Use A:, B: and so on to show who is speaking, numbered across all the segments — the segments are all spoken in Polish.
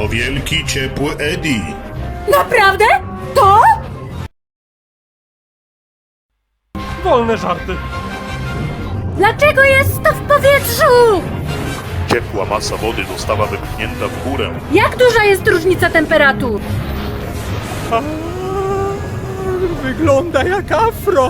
A: To wielki, ciepły Eddie.
B: Naprawdę? To?
C: Wolne żarty.
B: Dlaczego jest to w powietrzu?
A: Ciepła masa wody została wypchnięta w górę.
B: Jak duża jest różnica temperatur?
C: Wygląda jak afro.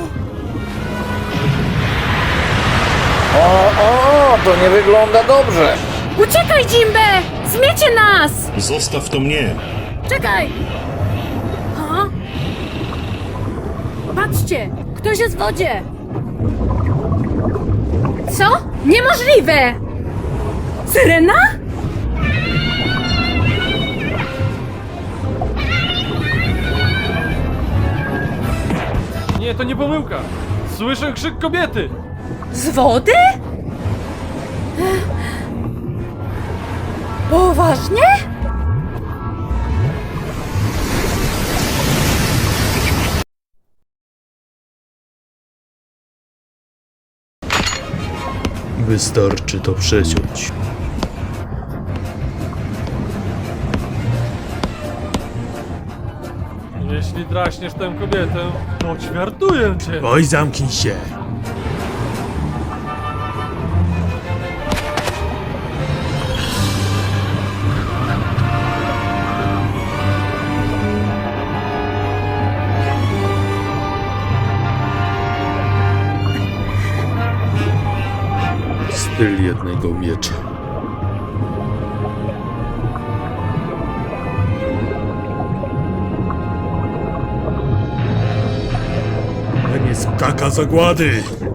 D: O, to nie wygląda dobrze.
B: Uciekaj, Jimbe! Zmiecie nas!
A: Zostaw to mnie.
B: Czekaj! Ha? Patrzcie! Ktoś jest w wodzie! Co? Niemożliwe! Syrena?
C: Nie, to nie pomyłka. Słyszę krzyk kobiety.
B: Z wody? Poważnie?
E: Wystarczy to przeciąć.
C: Jeśli draśniesz tę kobietę, to ćwiartuję cię.
E: Oj, zamknij się! Styl jednego miecza. To nie skaka zagłady!